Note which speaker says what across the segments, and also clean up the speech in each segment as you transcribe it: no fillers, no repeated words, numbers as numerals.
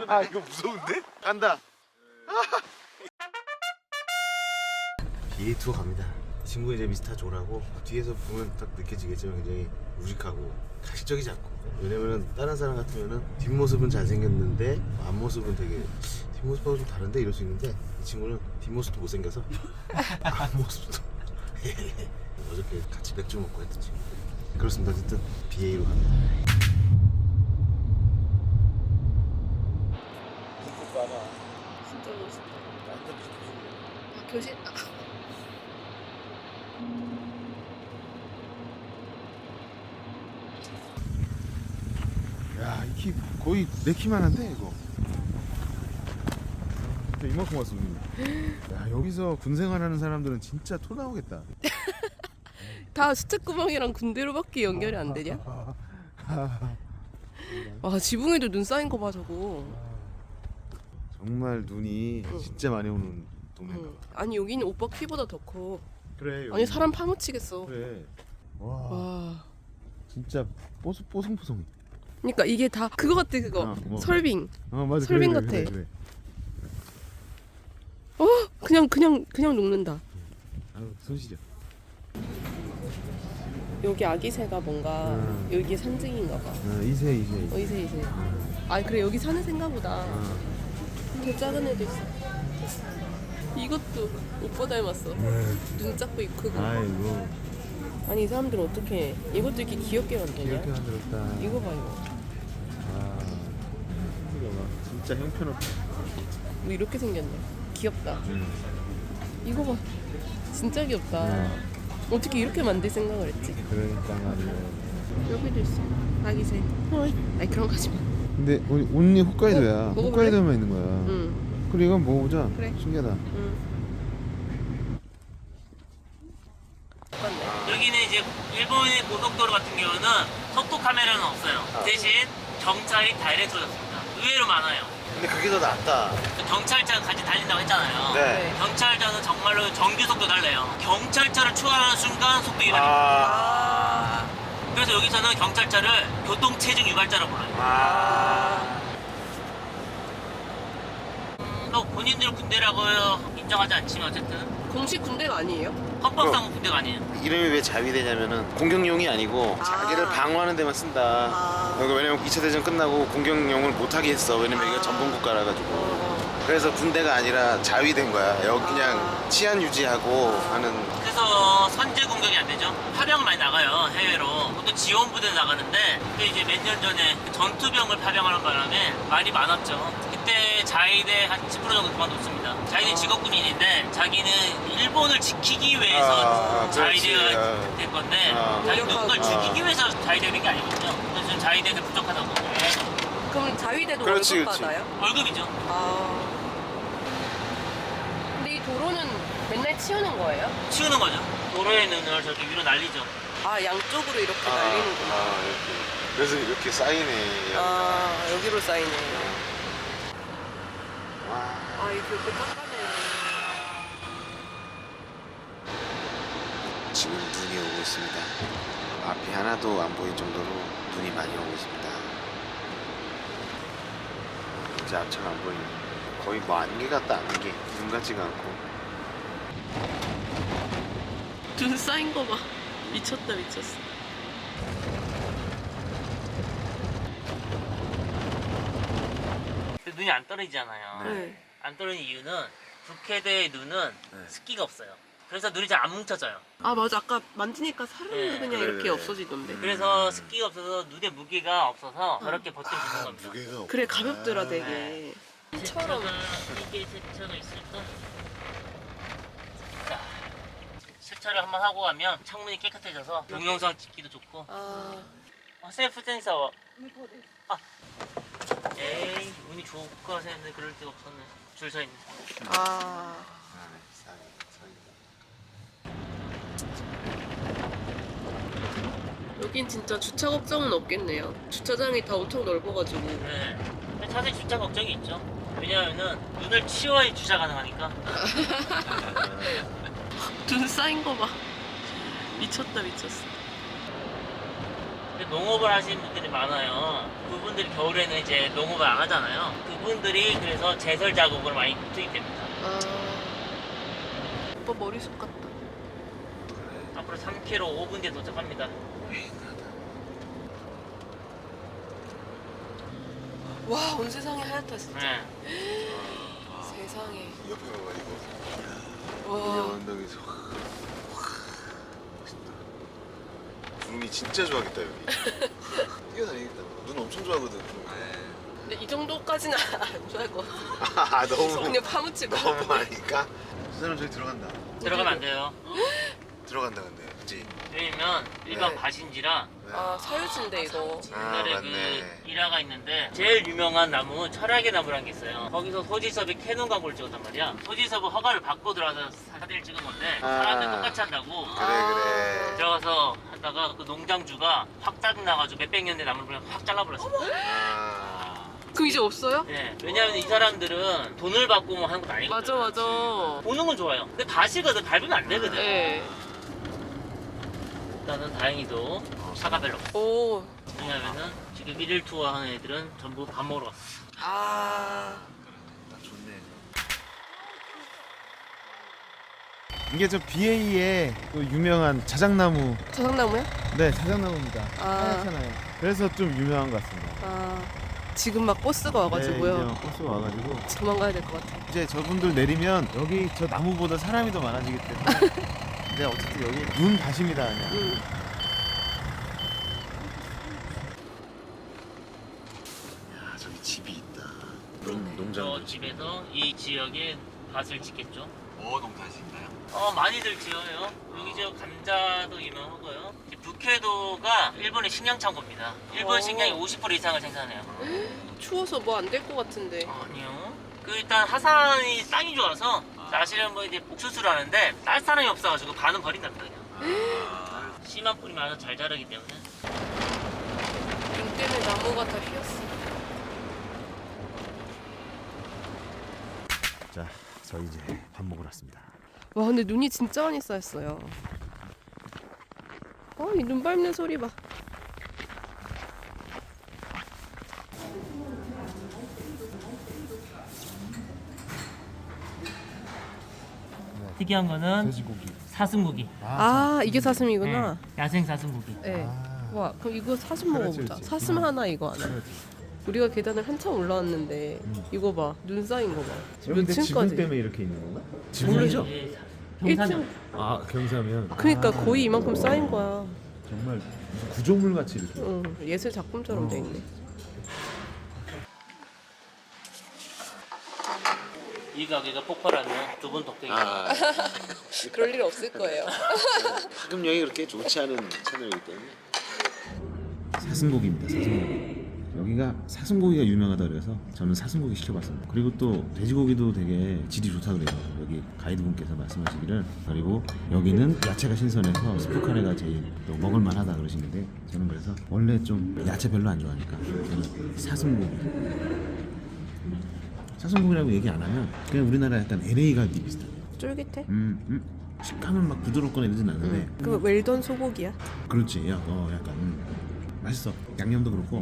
Speaker 1: 아 이거 무서운데? 간다. BA 투어 갑니다. 친구 이제 미스터 조라고 뒤에서 보면 딱 느껴지겠지만 굉장히 우직하고 가식적이지 않고, 왜냐면은 다른 사람 같으면은 뒷모습은 잘생겼는데 앞모습은 되게 뒷모습하고 좀 다른데 이럴 수 있는데, 이 친구는 뒷모습도 못생겨서 앞모습도 어저께 같이 맥주 먹고 했던 친구. 그렇습니다. 어쨌든 BA로 갑니다. 눈꽃 봐봐.
Speaker 2: 진짜 멋있다.
Speaker 1: 완전
Speaker 2: 아, 교실.
Speaker 1: 야, 이 키 거의 내 키만 한데 이거. 진짜 이만큼 왔어. 야, 여기서 군 생활하는 사람들은 진짜 토 나오겠다.
Speaker 2: 다 수채구멍이랑 군대로밖에 연결이 안 되냐? 와, 지붕에도 눈 쌓인 거 봐 저거.
Speaker 1: 정말 눈이 진짜 많이 오는 동네인가 봐.
Speaker 2: 아니 여기는 오빠 키보다 더 커.
Speaker 1: 그래.
Speaker 2: 아니 사람 파묻히겠어.
Speaker 1: 그래. 와,
Speaker 2: 와.
Speaker 1: 진짜 뽀송뽀송해.
Speaker 2: 그러니까 이게 다 그거 같아 그거.
Speaker 1: 뭐.
Speaker 2: 설빙.
Speaker 1: 맞아.
Speaker 2: 설빙
Speaker 1: 그래,
Speaker 2: 같아.
Speaker 1: 그래.
Speaker 2: 그냥 녹는다.
Speaker 1: 아유, 손시려.
Speaker 2: 여기 아기새가 뭔가 여기 산증인가 봐.
Speaker 1: 이세.
Speaker 2: 이새. 아 그래 여기 사는 새인가 보다. 더 작은 애도 있어. 이것도 오빠 닮았어. 눈 작고 입 크고.
Speaker 1: 아이고,
Speaker 2: 아니 이 사람들은 어떻게 이것도 이렇게 귀엽게 만드냐?
Speaker 1: 이렇게 만들었다.
Speaker 2: 이거 봐 이거.
Speaker 1: 아, 이거 봐. 진짜 형편없다.
Speaker 2: 뭐 이렇게 생겼네. 귀엽다. 이거 봐. 진짜 귀엽다. 어떻게 이렇게 만들 생각을 했지?
Speaker 1: 그러니까 말이야.
Speaker 2: 여기도 있어. 아기새. 아니 그런 거 하지 마.
Speaker 1: 근데 온리 홋카이도야.
Speaker 2: 먹어볼래?
Speaker 1: 홋카이도만 있는 거야.
Speaker 2: 응.
Speaker 1: 그래, 이건 먹어보자.
Speaker 2: 그래.
Speaker 1: 신기하다.
Speaker 2: 똑같네.
Speaker 3: 여기는 이제 일본의 고속도로 같은 경우는 속도 카메라는 없어요. 대신 경찰이 다이렉트로 잡습니다. 의외로 많아요.
Speaker 1: 근데 그게 더 낫다.
Speaker 3: 경찰차가 같이 달린다고 했잖아요.
Speaker 1: 네.
Speaker 3: 경찰차는 정말로 정규 속도 달려요. 경찰차를 추월하는 순간 속도 위반입니다.
Speaker 2: 아.
Speaker 3: 그래서 여기서는 경찰차를 교통체증 유발자라고 불러요. 뭐 본인들 군대라고 인정하지 않지만 어쨌든
Speaker 2: 공식 군대가 아니에요?
Speaker 3: 헌법상 군대가 아니에요.
Speaker 1: 이름이 왜 자위대냐면은 공격용이 아니고 자기를 방어하는 데만 쓴다. 여기 왜냐면 2차 대전 끝나고 공격용을 못하게 했어. 왜냐면 이게 전범국가라 가지고. 그래서 군대가 아니라 자위대인 거야. 여기 그냥 치안 유지하고 하는.
Speaker 3: 그래서 선제 공격이 안 되죠. 파병 많이 나가요, 해외로. 보통 지원부대 나가는데, 그때 이제 몇 년 전에 전투병을 파병하는 바람에 말이 많았죠. 그때 자위대 한 10% 정도 그만뒀습니다. 자위대 직업군인인데 자기는 일본을 지키기 위해서 자위대가 된 건데, 자기 누군가를 죽이기 위해서 자위대가 된 게 아니거든요. 그래서 지금 자위대가 부족하다고.
Speaker 2: 그럼 자위대도
Speaker 1: 그렇지,
Speaker 2: 월급
Speaker 1: 그렇지.
Speaker 2: 받아요?
Speaker 3: 월급이죠.
Speaker 2: 근데 이 도로는 맨날 치우는 거예요?
Speaker 3: 치우는 거죠. 도로에 있는 눈을 저렇게 위로 날리죠.
Speaker 2: 아 양쪽으로 이렇게 날리는구나.
Speaker 1: 이렇게. 그래서 이렇게 쌓이네.
Speaker 2: 여기로 쌓이네.
Speaker 1: 와.
Speaker 2: 이렇게 깜깜해.
Speaker 1: 지금 눈이 오고 있습니다. 앞이 하나도 안 보일 정도로 눈이 많이 오고 있습니다. 이제 앞차가 안 보이네. 거의 뭐 안개 같다, 안개. 눈 같지가 않고.
Speaker 2: 눈 쌓인 거 봐. 미쳤다 미쳤어.
Speaker 3: 근데 눈이 안 떨어지잖아요.
Speaker 2: 네.
Speaker 3: 안 떨어지는 이유는 북해대의 눈은 습기가 없어요. 그래서 눈이 잘 안 뭉쳐져요.
Speaker 2: 아 맞아 아까 만지니까 살은
Speaker 3: 네,
Speaker 2: 그냥
Speaker 1: 그래,
Speaker 2: 이렇게
Speaker 1: 그래.
Speaker 2: 없어지던데.
Speaker 3: 그래서 습기가 없어서 눈에 무게가 없어서 저렇게 버틸 수 있는 겁니다.
Speaker 1: 무게가
Speaker 2: 그래 가볍더라 되게.
Speaker 3: 세차가 이게 세차가 있을까? 자, 세차를 한번 하고 가면 창문이 깨끗해져서 동영상 찍기도 좋고. 셀프 센서. 에이 운이 좋을 거 했는데 그럴 데가 없었네. 줄 서 있네.
Speaker 2: 여긴 진짜 주차 걱정은 없겠네요. 주차장이 다 엄청 넓어가지고.
Speaker 3: 네. 근데 사실 주차 걱정이 있죠. 왜냐하면은 눈을 치워야 주차 가능하니까.
Speaker 2: 눈 쌓인 거 봐. 미쳤다 미쳤어.
Speaker 3: 근데 농업을 하시는 분들이 많아요. 그분들이 겨울에는 이제 농업을 안 하잖아요. 그분들이 그래서 제설 작업을 많이 투입됩니다.
Speaker 2: 아. 오빠 머리숱 같다.
Speaker 3: 앞으로 3km 5분 뒤에 도착합니다.
Speaker 2: 와, 온 세상이 하얗다 진짜.
Speaker 3: 네.
Speaker 2: 세상에.
Speaker 1: 옆에 봐봐 이거.
Speaker 2: 와.
Speaker 1: 언덕에서 멋있다. 구름이 진짜 좋아하겠다 여기. 뛰어다니겠다. 눈 엄청 좋아하거든.
Speaker 2: 근데 이 정도까지는 안 좋아할 것 같아.
Speaker 1: 아 너무
Speaker 2: 그냥 파묻히고.
Speaker 1: 너무 하니까. 저 사람 저기 들어간다.
Speaker 3: 들어가면 안 돼요.
Speaker 1: 들어간다 근데. 그치?
Speaker 3: 왜냐면 일반
Speaker 1: 네.
Speaker 3: 가신지라
Speaker 2: 아, 사유지인데 이거.
Speaker 1: 아
Speaker 3: 옛날에
Speaker 1: 맞네.
Speaker 3: 그 일화가 있는데 제일 유명한 나무 철학의 나무라는 게 있어요. 거기서 소지섭이 캐논 광고를 찍었단 말이야. 소지섭은 허가를 받고 들어와서 사진을 찍은 건데
Speaker 1: 아.
Speaker 3: 사람들 똑같이 한다고
Speaker 1: 그래.
Speaker 3: 들어가서 하다가 그 농장주가 확 짜증나가지고 몇백 년대 나무를 그냥 확 잘라버렸어.
Speaker 1: 아.
Speaker 2: 그럼 이제 없어요?
Speaker 3: 네, 왜냐면 이 사람들은 돈을 받고 뭐 하는 건 아니거든.
Speaker 2: 맞아, 맞아.
Speaker 3: 보는 건 좋아요. 근데 가시거든 밟으면 안 되거든.
Speaker 2: 네.
Speaker 3: 일단은 다행히도 차가 별로 없어.
Speaker 2: 오.
Speaker 3: 왜냐면은 지금 일일 투어 하는 애들은 전부 밥 먹으러 갔어.
Speaker 2: 아.
Speaker 1: 좋네.
Speaker 4: 이게 저 BA의 또 유명한 자작나무.
Speaker 2: 자작나무야?
Speaker 4: 네, 자작나무입니다.
Speaker 2: 아.
Speaker 4: 하얗잖아요. 그래서 좀 유명한 것 같습니다.
Speaker 2: 아. 지금 막 버스가 와가지고요.
Speaker 4: 네, 이제 버스가 와가지고
Speaker 2: 도망가야 될 것 같아.
Speaker 4: 이제 저분들 내리면 여기 저 나무보다 사람이 더 많아지기 때문에 근데 어쨌든 여기 눈 다십니다 그냥.
Speaker 1: 야 저기 집이 있다.
Speaker 3: 저
Speaker 1: 농장.
Speaker 3: 집에서 이 지역에 밭을 짓겠죠.
Speaker 1: 뭐 농사짓나요?
Speaker 3: 많이들 지어요. 여기 저 감자도 유명하고요. 이제 북해도가 일본의 식량 창고입니다. 일본
Speaker 2: 오.
Speaker 3: 식량의 50% 이상을 생산해요.
Speaker 2: 추워서 뭐 안 될 것 같은데.
Speaker 3: 아니요. 그 일단 하산이 땅이 좋아서 사실은 뭐 이제 옥수수를 하는데 딸 사람이 없어가지고 반은 버린답니다. 그냥. 씨만 뿌리면 아주 잘 자라기 때문에.
Speaker 2: 눈 때문에 나무가 다 휘었어.
Speaker 4: 자, 저희 이제 밥 먹으러 왔습니다.
Speaker 2: 와, 근데 눈이 진짜 많이 쌓였어요. 이 눈 밟는 소리 봐.
Speaker 3: 특이한 거는
Speaker 4: 돼지고기.
Speaker 3: 사슴고기.
Speaker 2: 아, 이게 사슴이구나.
Speaker 3: 야생 사슴고기.
Speaker 2: 네.
Speaker 4: 아.
Speaker 2: 와, 그럼 이거 사슴
Speaker 4: 그렇지,
Speaker 2: 먹어보자.
Speaker 4: 그렇지.
Speaker 2: 사슴 하나, 이거 하나. 우리가 계단을 한참 올라왔는데 이거 봐, 눈 쌓인 거 봐. 몇
Speaker 4: 근데 지붕
Speaker 2: 층까지?
Speaker 4: 때문에 이렇게 있는 건가?
Speaker 2: 모르죠.
Speaker 3: 경사면.
Speaker 2: 1층.
Speaker 4: 아, 경사면.
Speaker 2: 그러니까 거의 이만큼 쌓인 거야.
Speaker 4: 정말 무슨 구조물 같이 이렇게.
Speaker 2: 응, 예술 작품처럼 돼 있네.
Speaker 3: 이 가게가 폭발하면 두 분 덕택이.
Speaker 1: 아
Speaker 2: 그럴 일 없을 거예요.
Speaker 1: 파급력이 그렇게 좋지 않은 채널이기 때문에.
Speaker 4: 사슴고기입니다. 사슴고기. 여기가 사슴고기가 유명하다 그래서 저는 사슴고기 시켜봤습니다. 그리고 또 돼지고기도 되게 질이 좋다 그래요. 여기 가이드분께서 말씀하시기를. 그리고 여기는 야채가 신선해서 스프카레가 제일 또 먹을만하다 그러시는데 저는 그래서 원래 좀 야채 별로 안 좋아하니까 저는 사슴고기라고 얘기 안 하면 그냥 우리나라 약간 LA 갈비 비슷해요.
Speaker 2: 쫄깃해?
Speaker 4: 식감은 막 부드럽거나 이러진 않는데
Speaker 2: 그 웰던 소고기야?
Speaker 4: 그렇지. 약간 맛있어. 양념도 그렇고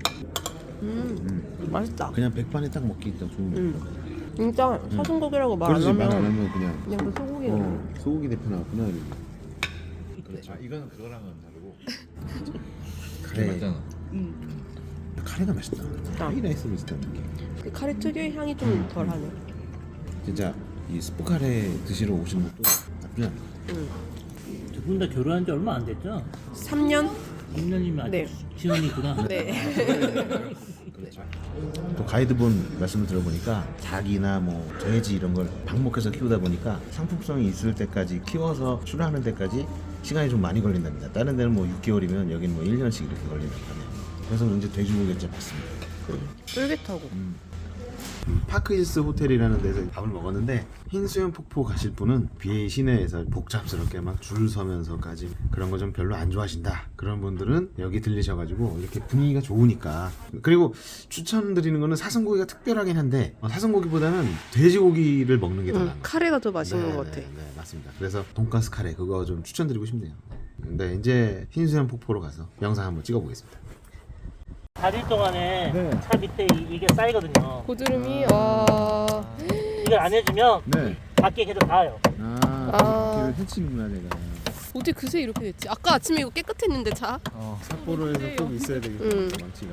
Speaker 2: 맛있다.
Speaker 4: 그냥 백반에 딱 먹기 딱 좋은 거.
Speaker 2: 진짜 사슴고기라고 말 안
Speaker 4: 그렇지. 말 안
Speaker 2: 하면
Speaker 4: 하면 그냥
Speaker 2: 그냥 그 소고기야.
Speaker 4: 소고기 대표 나왔구나. 그렇죠. 이건 그거랑은 다르고. 카레 맞잖아. 카레가 맛있다. 하이라이스 비슷한 느낌.
Speaker 2: 그 카레 특유의 향이 좀 덜하네.
Speaker 4: 진짜 이 스프 카레 드시러 오시는 것도 나쁘지 않아.
Speaker 3: 두 분 다 결혼한 지 얼마 안 됐죠?
Speaker 2: 3년?
Speaker 3: 6년이면 아직
Speaker 2: 네.
Speaker 3: 지원이구나.
Speaker 2: 네.
Speaker 4: 또 가이드분 말씀을 들어보니까 닭이나 뭐 돼지 이런 걸 방목해서 키우다 보니까 상품성이 있을 때까지 키워서 출하하는 데까지 시간이 좀 많이 걸린답니다. 다른 데는 뭐 6개월이면 여기는 뭐 1년씩 이렇게 걸린다고 하네요. 그래서 이제 돼지고기가 진짜 맞습니다.
Speaker 2: 쫄깃하고.
Speaker 4: 파크힐스 호텔이라는 데서 밥을 먹었는데 흰수염 폭포 가실 분은 BA 시내에서 복잡스럽게 막 줄 서면서까지 그런 거 좀 별로 안 좋아하신다 그런 분들은 여기 들리셔가지고 이렇게 분위기가 좋으니까. 그리고 추천드리는 거는 사슴고기가 특별하긴 한데 사슴고기보다는 돼지고기를 먹는 게 더 나은 것 같아요.
Speaker 2: 카레가 더 맛있는 것 같아.
Speaker 4: 네, 맞습니다. 그래서 돈가스 카레 그거 좀 추천드리고 싶네요. 네, 이제 흰수염 폭포로 가서 영상 한번 찍어보겠습니다.
Speaker 3: 4일 동안에
Speaker 4: 네.
Speaker 3: 차 밑에 이게 쌓이거든요.
Speaker 2: 고드름이
Speaker 3: 이걸 안 해주면
Speaker 4: 네.
Speaker 3: 밖에 계속 닿아요.
Speaker 2: 아.
Speaker 4: 해치는구나 내가.
Speaker 2: 어떻게 그새 이렇게 됐지? 아까 아침에 이거 깨끗했는데 차?
Speaker 4: 삿포로에서 꼭 있어야 되겠다. 망치가.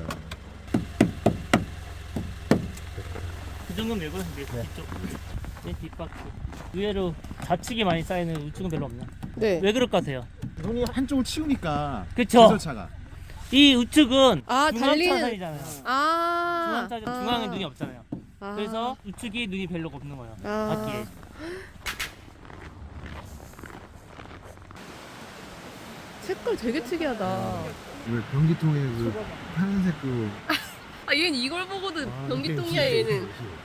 Speaker 3: 그 정도는 왜 그러는데 뒤쪽 내 뒷바퀴 의외로 좌측이 많이 쌓이는 우측은 별로 없네.
Speaker 2: 네.
Speaker 3: 왜 그럴 것 같아요?
Speaker 4: 손이 한쪽을 치우니까
Speaker 3: 그쵸?
Speaker 4: 디젤차가.
Speaker 3: 이 우측은
Speaker 2: 아, 달리는.
Speaker 3: 중앙차선이잖아요.
Speaker 2: 아.
Speaker 3: 중앙에 눈이 없잖아요.
Speaker 2: 아.
Speaker 3: 그래서 우측이 눈이 별로 없는 거예요.
Speaker 2: 아.
Speaker 3: 바퀴에.
Speaker 2: 색깔 되게 특이하다.
Speaker 4: 왜 변기통에 그 파란색 그.
Speaker 2: 아, 얘는 이걸 보고도 변기통이야,
Speaker 4: 이게
Speaker 2: 얘는.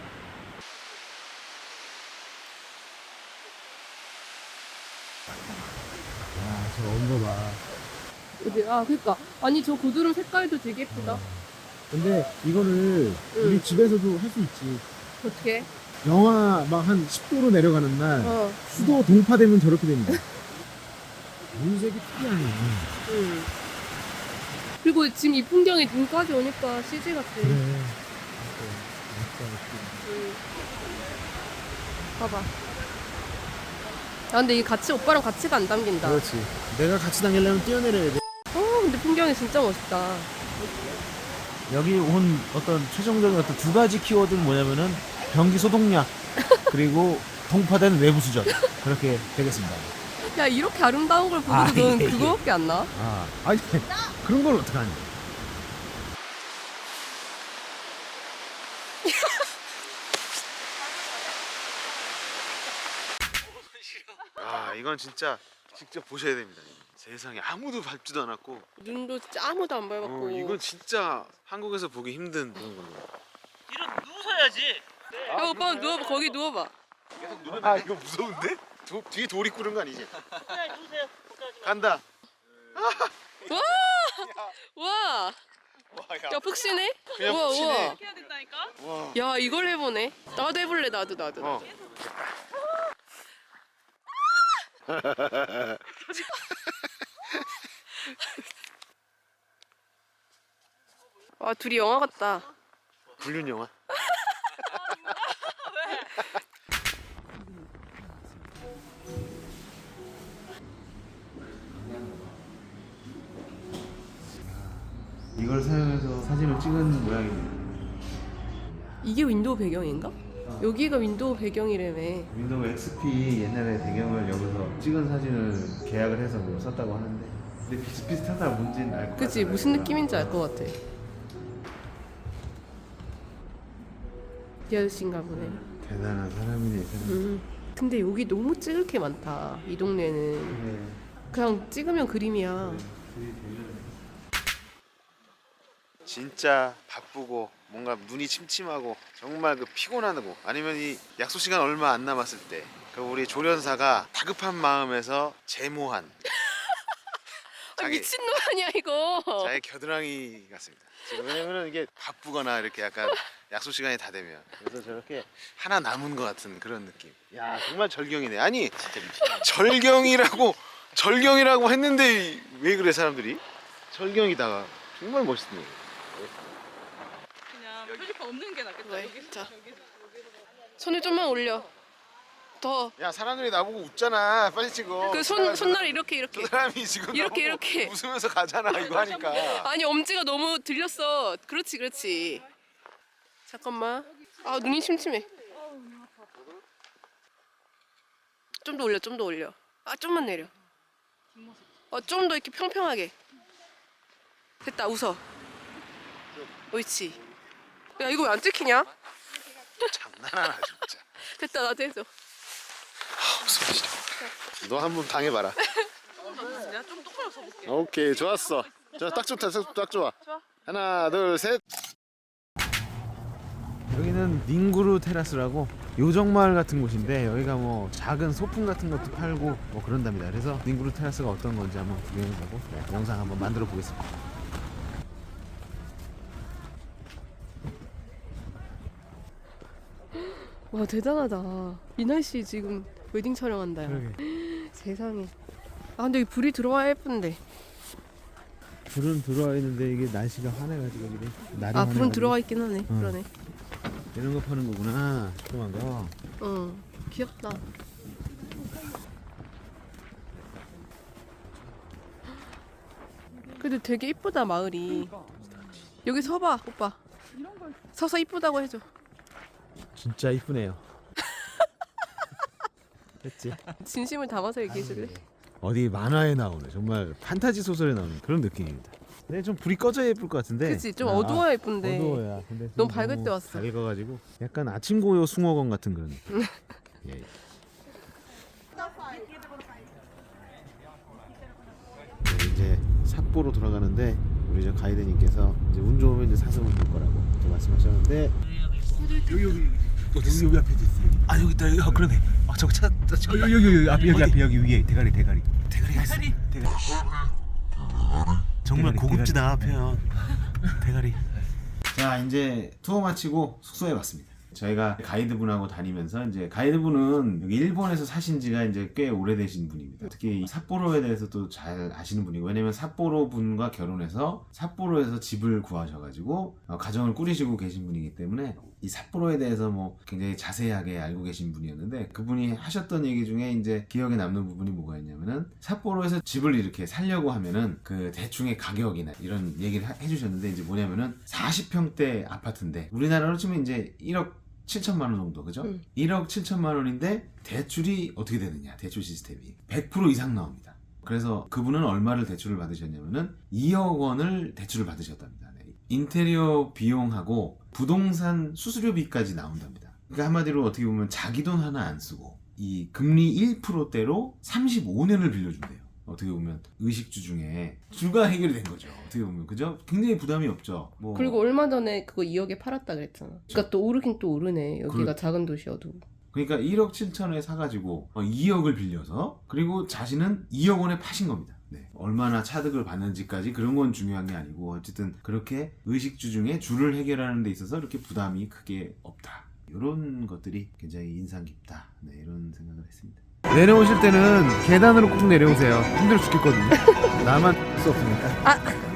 Speaker 4: 저 온거 봐.
Speaker 2: 어디? 아, 그니까. 아니, 저 고드름 색깔도 되게 예쁘다.
Speaker 4: 근데 이거를 우리 집에서도 할 수 있지.
Speaker 2: 어떻게?
Speaker 4: 영하 막 한 10도로 내려가는 날
Speaker 2: 어.
Speaker 4: 수도 동파되면 저렇게 됩니다. 물색이 특이하네.
Speaker 2: 응. 그리고 지금 이 풍경이 눈까지 오니까 CG 같아.
Speaker 4: 그래.
Speaker 2: 봐봐. 아, 근데 이 같이, 오빠랑 같이가 안 담긴다.
Speaker 4: 그렇지. 내가 같이 다니려면 뛰어내려야 돼.
Speaker 2: 근데 풍경이 진짜 멋있다.
Speaker 4: 여기 온 어떤 최종적인 어떤 두 가지 키워드는 뭐냐면은 변기 소독약 그리고 동파된 외부 수전 그렇게 되겠습니다.
Speaker 2: 야, 이렇게 아름다운 걸
Speaker 4: 아,
Speaker 2: 보고도 넌
Speaker 4: 예, 예.
Speaker 2: 그거밖에 안 나?
Speaker 4: 아니 그런 걸 어떡하니? 이건 진짜 직접 보셔야 됩니다. 세상에 아무도 밟지도 않았고
Speaker 2: 눈도 진짜 아무도 안 밟았고.
Speaker 4: 이건 진짜 한국에서 보기 힘든 그런 겁니다.
Speaker 3: 이런 누우셔야지.
Speaker 2: 야, 오빠 누워봐. 거기 누워봐.
Speaker 4: 이거 무서운데? 뒤에 돌이 꾸는 거 아니지?
Speaker 3: 그냥 누우세요.
Speaker 4: 간다.
Speaker 2: 와! 와! 야, 푹신해?
Speaker 4: 그냥
Speaker 2: 우와,
Speaker 4: 푹신해.
Speaker 2: 우와.
Speaker 5: 해야 된다니까?
Speaker 4: 와.
Speaker 2: 야, 이걸 해보네. 나도 해볼래, 나도. 아, 둘이 영화 같다.
Speaker 4: 불륜 영화. 이걸 사용해서 사진을 찍은 모양입니다.
Speaker 2: 이게 윈도우 배경인가? 여기가 윈도우 배경이라며.
Speaker 4: 윈도우 XP 옛날에 배경을 여기서 찍은 사진을 계약을 해서 뭐 썼다고 하는데 근데 비슷비슷하다 뭔지는 알 것 같아.
Speaker 2: 그치, 무슨 느낌인지 알 것 같아. 이 아저씨인가 보네.
Speaker 4: 대단한 사람이네. 사람.
Speaker 2: 근데 여기 너무 찍을 게 많다. 이 동네는.
Speaker 4: 네.
Speaker 2: 그냥 찍으면 그림이야.
Speaker 4: 진짜 바쁘고 뭔가 눈이 침침하고 정말 그 피곤하고 아니면 이 약속 시간 얼마 안 남았을 때 그 우리 조련사가 다급한 마음에서 제모한
Speaker 2: 아, 미친놈 아니야, 이거.
Speaker 4: 자기 겨드랑이 같습니다. 지금 왜냐면은 이게 바쁘거나 이렇게 약간 약속 시간이 다 되면 그래서 저렇게 하나 남은 것 같은 그런 느낌. 야 정말 절경이네. 아니 절경이라고 했는데 왜 그래 사람들이? 절경이다가 정말 멋있네.
Speaker 5: 그냥 표지판 없는 게 낫겠다.
Speaker 2: 왜?
Speaker 5: 여기.
Speaker 2: 자. 손을 좀만 올려. 더.
Speaker 4: 야 사람들이 나보고 웃잖아. 빨리 찍어.
Speaker 2: 그 손날 이렇게.
Speaker 4: 저 사람이 지금
Speaker 2: 이렇게,
Speaker 4: 나보고
Speaker 2: 이렇게.
Speaker 4: 웃으면서 가잖아 이거 하니까.
Speaker 2: 아니, 엄지가 너무 들렸어. 그렇지. 잠깐만. 아, 눈이 침침해. 좀 더 올려. 아, 좀만 내려. 좀 더 이렇게 평평하게. 됐다, 웃어. 옳지. 야, 이거 왜 안 찍히냐?
Speaker 4: 장난하나 진짜.
Speaker 2: 됐다, 나도 해줘.
Speaker 4: 너 한번 당해봐라.
Speaker 5: 내가 좀 똑바로 서볼게.
Speaker 4: 오케이 좋았어. 딱 좋다. 딱 좋아. 하나 둘 셋. 여기는 닝구루 테라스라고 요정마을 같은 곳인데 여기가 뭐 작은 소품 같은 것도 팔고 뭐 그런답니다. 그래서 닝구루 테라스가 어떤 건지 한번 구경해보고 영상 한번 만들어 보겠습니다.
Speaker 2: 와, 대단하다. 이 날씨 지금 웨딩 촬영한다. 야.
Speaker 4: 그러게.
Speaker 2: 세상에. 아 근데 여기 불이 들어와야 예쁜데.
Speaker 4: 불은 들어와 있는데 이게 날씨가 환해가지고 그래. 날이
Speaker 2: 아 불은
Speaker 4: 환해가지고.
Speaker 2: 들어와 있긴 하네. 그러네.
Speaker 4: 이런 거 파는 거구나. 조그만 거.
Speaker 2: 응. 귀엽다. 근데 되게 이쁘다 마을이. 여기 서봐 오빠. 서서 이쁘다고 해줘.
Speaker 4: 진짜 이쁘네요. 됐지?
Speaker 2: 진심을 담아서 얘기해줄래?
Speaker 4: 어디 만화에 나오는 정말 판타지 소설에 나오는 그런 느낌입니다. 근데 좀 불이 꺼져야 예쁠 것 같은데.
Speaker 2: 그치 좀 어두워야 예쁜데.
Speaker 4: 어두워야. 근데
Speaker 2: 너무 밝을 때 왔어.
Speaker 4: 밝아가지고 약간 아침 고요 숭어건 같은 그런 느낌. 예. 네, 이제 삿포로 돌아가는데 우리 저 가이드님께서 이제 운 좋으면 이제 사슴을 볼 거라고 또 말씀하셨는데
Speaker 1: 여기 앞에 있어요. 아 여기 있다. 아 그러네. 아 저거 찾았다.
Speaker 6: 여기 앞에 여기 위에 대가리
Speaker 1: 대가리가 있어. 대가리. 정말
Speaker 6: 대가리,
Speaker 1: 고급지다 표현. 대가리.
Speaker 4: 자 이제 투어 마치고 숙소에 왔습니다. 저희가 가이드분하고 다니면서 이제 가이드분은 여기 일본에서 사신 지가 이제 꽤 오래되신 분입니다. 특히 이 삿포로에 대해서도 잘 아시는 분이고 왜냐면 삿포로 분과 결혼해서 삿포로에서 집을 구하셔가지고 가정을 꾸리시고 계신 분이기 때문에 이 삿포로에 대해서 뭐 굉장히 자세하게 알고 계신 분이었는데 그분이 하셨던 얘기 중에 이제 기억에 남는 부분이 뭐가 있냐면은 삿포로에서 집을 이렇게 살려고 하면은 그 대충의 가격이나 이런 얘기를 해주셨는데 이제 뭐냐면은 40평대 아파트인데 우리나라로 치면 이제 1억 7천만 원 정도 그죠? 1억 7천만 원인데 대출이 어떻게 되느냐 대출 시스템이 100% 이상 나옵니다. 그래서 그분은 얼마를 대출을 받으셨냐면은 2억 원을 대출을 받으셨답니다. 네. 인테리어 비용하고 부동산 수수료비까지 나온답니다. 그러니까 한마디로 어떻게 보면 자기 돈 하나 안 쓰고 이 금리 1%대로 35년을 빌려준대요. 어떻게 보면 의식주 중에 주가 해결이 된 거죠. 어떻게 보면 그죠? 굉장히 부담이 없죠. 뭐
Speaker 2: 그리고 얼마 전에 그거 2억에 팔았다 그랬잖아. 그러니까 또 오르긴 또 오르네. 여기가 작은 도시여도.
Speaker 4: 그러니까 1억 7천에 사가지고 2억을 빌려서 그리고 자신은 2억 원에 파신 겁니다. 네. 얼마나 차득을 받는지까지 그런 건 중요한 게 아니고 어쨌든 그렇게 의식주 중에 주를 해결하는 데 있어서 이렇게 부담이 크게 없다. 이런 것들이 굉장히 인상 깊다. 네, 이런 생각을 했습니다. 내려오실 때는 계단으로 꼭 내려오세요. 힘들어 죽겠거든요. 나만 할 수 없으니까.